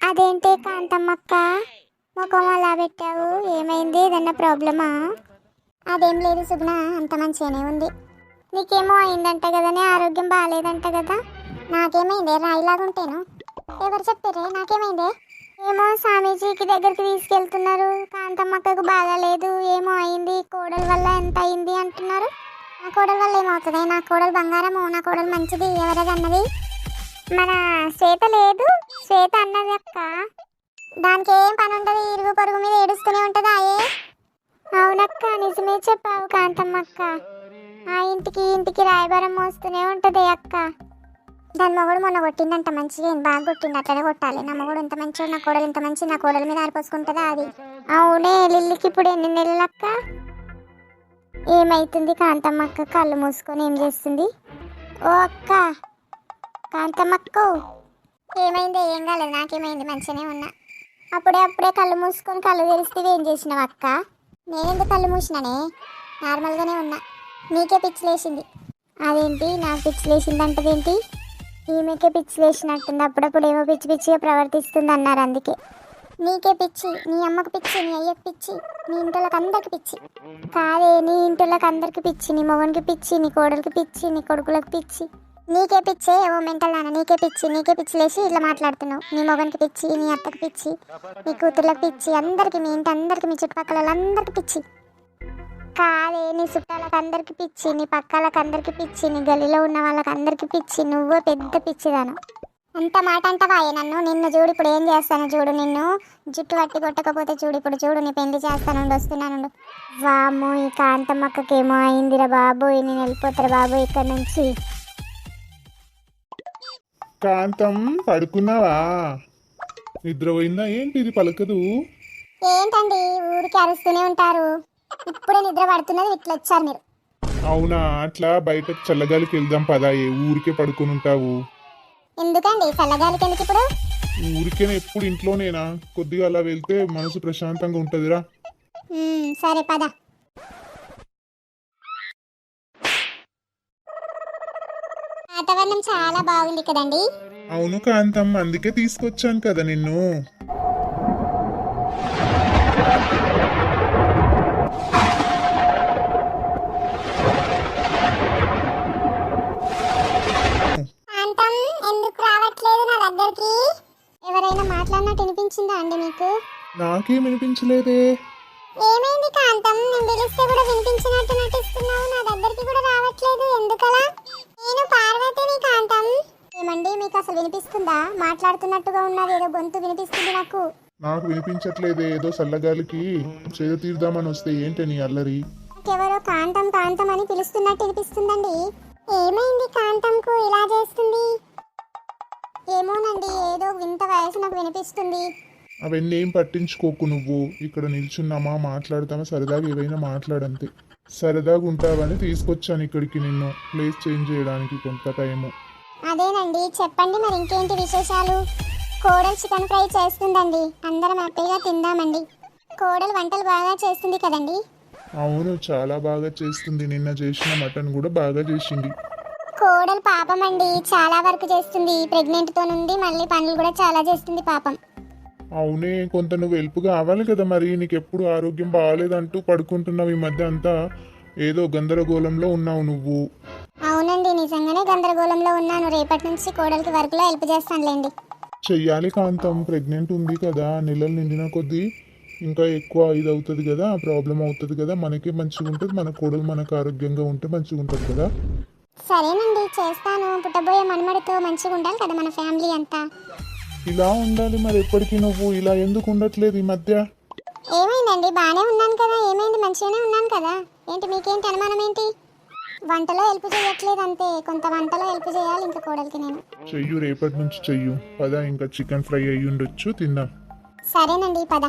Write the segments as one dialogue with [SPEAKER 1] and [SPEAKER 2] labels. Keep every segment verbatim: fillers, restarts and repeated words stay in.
[SPEAKER 1] అదేంటి కాంతమ్మక్క, ముఖం అలా పెట్టావు? ఏమైంది? ఏదన్నా ప్రాబ్లమా? అదేం లేదు సుగుణ, అంత మంచిగానే ఉంది. నీకేమో అయిందంట కదనే, ఆరోగ్యం బాగాలేదంట కదా? నాకేమైందే? రాయిలాగుంటేను. ఎవరు చెప్పారే నాకేమైందే? ఏమో స్వామీజీకి దగ్గరికి తీసుకెళ్తున్నారు. కాంతమ్మక్కకు బాగాలేదు, ఏమో అయింది, కోడల వల్ల ఎంత అయింది అంటున్నారు. నా కోడల వల్ల ఏమవుతుంది? నా కోడలు బంగారము, నా కోడలు మంచిది. ఎవరది అన్నది? మన శ్వేత లేదు, శ్వేత అన్నది అక్క. దానికి ఏం పని ఉంటుంది, ఇరుగు పొరుగు మీద ఏడుస్తూనే ఉంటుంది. ఆయే అవునక్క, నిజమే చెప్పావు కాంతమ్మక్క. ఆ ఇంటికి ఇంటికి రాయబారం మోస్తూనే ఉంటుంది అక్క. దాని మొగుడు మొన్న కొట్టిందంట, మంచిగా బాగా కొట్టింది. అట్లనే కొట్టాలి. నా మొగుడు ఇంత మంచిగా, నా కోడలు ఇంత మంచి, నా కోడల మీద ఆరిపోసుకుంటుందా అది? అవునే, లిల్లికి ఇప్పుడు ఎన్ని నెలలక్క? ఏమైతుంది కాంతమ్మక్క? కళ్ళు మూసుకొని ఏం చేస్తుంది? ఓ అక్క, కాంతమ్మక్క ఏమైంది? ఏం కాలేదు, నాకేమైంది, మంచిగానే ఉన్నా. అప్పుడే అప్పుడే కళ్ళు మూసుకొని కళ్ళు తెరిస్తే ఏం చేసినావు అక్క? నేనెందుకు కళ్ళు మూసినానే, నార్మల్గానే ఉన్నా. నీకే పిచ్చిలేసింది. అదేంటి నాకు పిచ్చిలేసింది అంటదేంటి? ఈమెకే పిచ్చిలేసినట్టుంది. అప్పుడప్పుడు ఏమో పిచ్చి పిచ్చిగా ప్రవర్తిస్తుంది అన్నారు, అందుకే. నీకే పిచ్చి, నీ అమ్మకు పిచ్చి, నీ అయ్యకు పిచ్చి, నీ ఇంటికి అందరికి పిచ్చి. కాదే, నీ ఇంటికి అందరికి పిచ్చి, నీ మొగనికి పిచ్చి, నీ కోడలికి పిచ్చి, నీ కొడుకులకు పిచ్చి. నీకే పిచ్చే ఓ మెంటల్ నాన్న, నీకే పిచ్చి. నీకే పిచ్చిలేసి ఇట్లా మాట్లాడుతున్నావు. నీ మొగనికి పిచ్చి, నీ అత్తకి పిచ్చి, నీ కూతుర్లకు పిచ్చి, అందరికి, మీ ఇంటి అందరికి, మీ చుట్టుపక్కల అందరికి పిచ్చి. కాదే, నీ చుట్టాలకు అందరికి పిచ్చి, నీ పక్కలకు అందరికి పిచ్చి, నీ గల్లీలో ఉన్న వాళ్ళకి అందరికి పిచ్చి. నువ్వో పెద్ద పిచ్చిదాను. అంత మాట అంటవాయే నన్ను? నిన్ను చూడు ఇప్పుడు ఏం చేస్తాను చూడు. నిన్ను జుట్టు పట్టి కొట్టకపోతే చూడు ఇప్పుడు చూడు, నీ పెళ్లి చేస్తాను, వస్తున్నాను. వామ్మో, ఈ కాంతమ్మక్కకేమో అయిందిరా బాబోయ్. నేను వెళ్ళిపోతారా బాబోయ్ ఇక్కడ నుంచి.
[SPEAKER 2] కాంతం, పడుకున్నావా? నిద్ర పోయిందా ఏంటి? ఇది పలకదు.
[SPEAKER 1] ఏంటండి ఊరికి అరుస్తూనే ఉంటారు? ఇప్పుడే నిద్ర పడుతున్నది, ఇట్లా వచ్చారు మీరు.
[SPEAKER 2] అవునా, అట్లా బయటకు చల్లగాలికి వెళ్దాం పదా. ఏ ఊరికే పడుకుని ఉంటావు?
[SPEAKER 1] ఎందుకండి చల్లగాలికి ఎందుకు ఇప్పుడు?
[SPEAKER 2] ఊరికేనే ఎప్పుడు ఇంట్లోనేనా? కొద్దిగా అలా వెళ్తే మనసు ప్రశాంతంగా ఉంటుందిరా.
[SPEAKER 1] సరే పద. వాతావరణం చాలా బాగుంది కదండి?
[SPEAKER 2] అవును కాంతం, అందుకే తీసుకొచ్చాను కదా నిన్ను.
[SPEAKER 1] కాంతం, ఎందుకు రావట్లేదు నా దగ్గరికి? ఎవరైనా మాట్లాడినట్టు వినిపించిందా అండి మీకు?
[SPEAKER 2] నాకేం వినిపించలేదే.
[SPEAKER 1] ఏమైంది కాంతం? నేను పిలిస్తే కూడా వినిపించినట్టు నటిస్తున్నావు, నా దగ్గరికి కూడా రావట్లేదు, ఎందుకలా? నేను పార్వతిని కాంతం. ఏమండి, మీకు అసలు వినిపిస్తుందా? మాట్లాడుతున్నట్టుగా ఉన్నది, ఏదో గొంతు వినిపిస్తుంది నాకు.
[SPEAKER 2] నాకు వినిపించట్లేదే. ఏదో చల్లగాలికి చేదు తీర్దామని వస్తే ఏంటి నీ అల్లరి?
[SPEAKER 1] నాకెవరో కాంతం కాంతం అని పిలుస్తున్నట్టు వినిపిస్తుందండి. ఏమైంది కాంతంకు ఇలా చేస్తుంది? ఏమోనండి, ఏదో వింత వయసు నాకు వినిపిస్తుంది.
[SPEAKER 2] అవన్నీ ఏం పట్టించుకోకు. నువ్వు ఇక్కడ నిల్చున్నామా, మాట్లాడతామా, సరదాగా ఏవైనా మాట్లాడంతే. సరదాగా ఉంటావని తీసుకొచ్చాను ఇక్కడికి నిన్ను, ప్లేస్ చేంజ్ చేయడానికి కొంత టైము.
[SPEAKER 1] అదేనండి, చెప్పండి మరి ఇంకేంటి విశేషాలు? కోడలు చికెన్ ఫ్రై చేస్తుందండి, అందరం హ్యాపీగా తిందామండి. కోడలు వంటలు బాగా చేస్తుంది కదండి?
[SPEAKER 2] అవును, చాలా బాగా చేస్తుంది. నిన్న చేసిన మటన్ కూడా బాగా చేసింది.
[SPEAKER 1] కోడలు పాపం అండి, చాలా వరకు చేస్తుంది. ప్రెగ్నెంట్తో నుండి మళ్ళీ పనులు కూడా చాలా చేస్తుంది పాపం.
[SPEAKER 2] అవునే, కొంత నువ్వు హెల్ప్ కావాలి కదా మరి. నీకు ఎప్పుడు ఆరోగ్యం బాగాలేదంటూ పడుకుంటున్నావు. ఈ మధ్య అంతా ఏదో గందరగోళంలో ఉన్నావు నువ్వు.
[SPEAKER 1] అవునండి, నిజంగానే గందరగోళంలో ఉన్నాను. రేపటి నుంచి కోడలికి వర్క్లో హెల్ప్ చేస్తానులేండి.
[SPEAKER 2] చెయ్యాలి కాంతం, ప్రెగ్నెంట్ ఉంది కదా, నెలలు నిండిన కొద్దీ ఇంకా ఎక్కువ ఇది అవుతుంది కదా, ప్రాబ్లం అవుతుంది కదా. మనకే మంచిగా ఉంటుంది, మన కోడలు మనకు ఆరోగ్యంగా ఉంటే మంచిగా ఉంటుంది కదా.
[SPEAKER 1] సరేనండి, చేస్తాను. పుట్టబోయే మనమడితో మంచిగా ఉండాలి కదా మన ఫ్యామిలీ అంతా.
[SPEAKER 2] ఇలా ఉండాలి మరి. ఎప్పటికీ నువ్వు ఇలా ఎందుకు ఉండట్లేదు ఈ మధ్య?
[SPEAKER 1] ఏమైందండి, బాగానే ఉన్నాను కదా. ఏమైంది, మంచిగానే ఉన్నాను కదా. ఏంటి మీకేంటి అనుమానం ఏంటి? వంటలో హెల్ప్ చేయట్లేదు అంతే, కొంత వంటలో హెల్ప్ చేయాలి ఇంకా కోడలికి నేను.
[SPEAKER 2] చెయ్యు, రేపటి నుంచి చెయ్యు పద. ఇంకా చికెన్ ఫ్రై అయ్యి ఉండొచ్చు, తిందాం.
[SPEAKER 1] సరేనండి పద.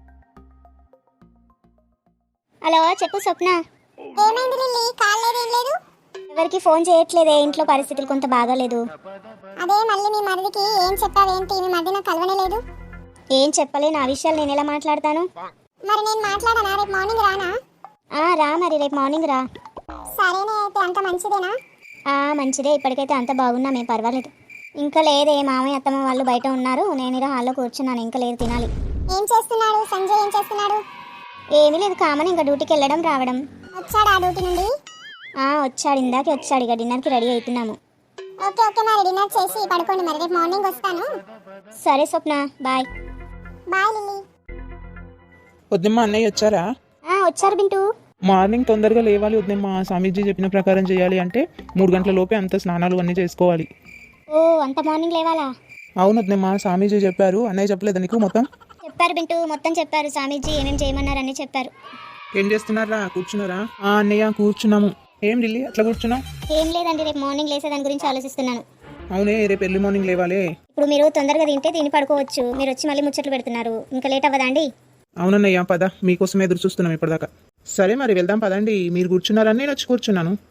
[SPEAKER 1] హలో, చెప్పు స్వప్న. ఏమైంది లిల్లీ, కాల్ లేదు ఏం లేదు? ఎవరికి ఫోన్ చేయట్లేదే, ఇంట్లో పరిస్థితులు కొంత బాగాలేదు. అదే మళ్ళీ మీ మరిదికి ఏం చెప్పావేంటి? మీ మరిది నాకు కలవనే లేదు. ఏం చెప్పలే, నా విషయాలు నేను ఎలా మాట్లాడతాను? మరి నేను మాట్లాడానా? రేపు మార్నింగ్ రానా? రా మరి, రేపు మార్నింగ్ రా. సరేనే, అయితే అంత మంచిదేనా? మంచిదే, ఇప్పటికైతే అంత బాగున్నామే, పర్వాలేదు. ఇంకా లేదే, మామయ్య అత్తమ్మ వాళ్ళు బయట ఉన్నారు, నేను ఇలా హాల్లో కూర్చున్నాను. ఇంకా లేదు, తినాలి. ఏం చేస్తున్నాడు సంజయ్? ఏం చేస్తున్నాడు? ఏమీ లేదు, కామన్ ఇంకా డ్యూటీకి వెళ్ళడం రావడం. వచ్చాడా డ్యూటీ నుండి? ఆ వచ్చాడు, ఇందాకే వచ్చాడు. ఇక డిన్నర్కి రెడీ అవుతున్నాము. ఓకే ఓకే, మరి డిన్నర్ చేసి పడుకోండి, మరి రేపు మార్నింగ్ వస్తాను. సరే స్వప్న, బాయ్. Bye Lily.
[SPEAKER 3] వద్దమ్మ అన్నయ్య వచ్చారా?
[SPEAKER 1] ఆ వచ్చారు బింటూ.
[SPEAKER 3] మార్నింగ్ తొందరగా లేవాలి వద్దమ్మ, స్వామీజీ చెప్పిన ప్రకారం చేయాలి అంటే మూడు గంటల లోపే అంత స్నానాలు అన్నీ చేసుకోవాలి.
[SPEAKER 1] ఓ అంత మార్నింగ్ లేవాలా?
[SPEAKER 3] అవును వద్దమ్మ, స్వామీజీ చెప్పారు. అన్నయ్య చెప్పలేదా నీకు మొత్తం?
[SPEAKER 1] చెప్పారు బింటూ, మొత్తం చెప్పారు. స్వామీజీ ఏమేం చేయమన్నారని చెప్పారు.
[SPEAKER 3] ఏం చేస్తున్నారా? కూర్చున్నారా? ఆ అన్నయ్య కూర్చున్నాము. ఏం ఢిల్లీ అట్లా కూర్చున్నావు?
[SPEAKER 1] ఏం లేదండి, రేపు మార్నింగ్ లేసే దాని గురించి ఆలోచిస్తున్నాను.
[SPEAKER 3] అవునే, రేపు ఎర్లీ మార్నింగ్ లేవాలి.
[SPEAKER 1] ఇప్పుడు మీరు తొందరగా తింటే తిని పడుకోవచ్చు. మీరు వచ్చి మళ్ళీ ముచ్చట్లు పెడుతున్నారు, ఇంకా లేట్ అవ్వదా అండి?
[SPEAKER 3] అవునన్నయ్య పద, మీకోసం ఎదురు చూస్తున్నాం ఇప్పటిదాకా. సరే మరి వెళ్దాం పదండి. మీరు కూర్చున్నారని నేను వచ్చి కూర్చున్నాను.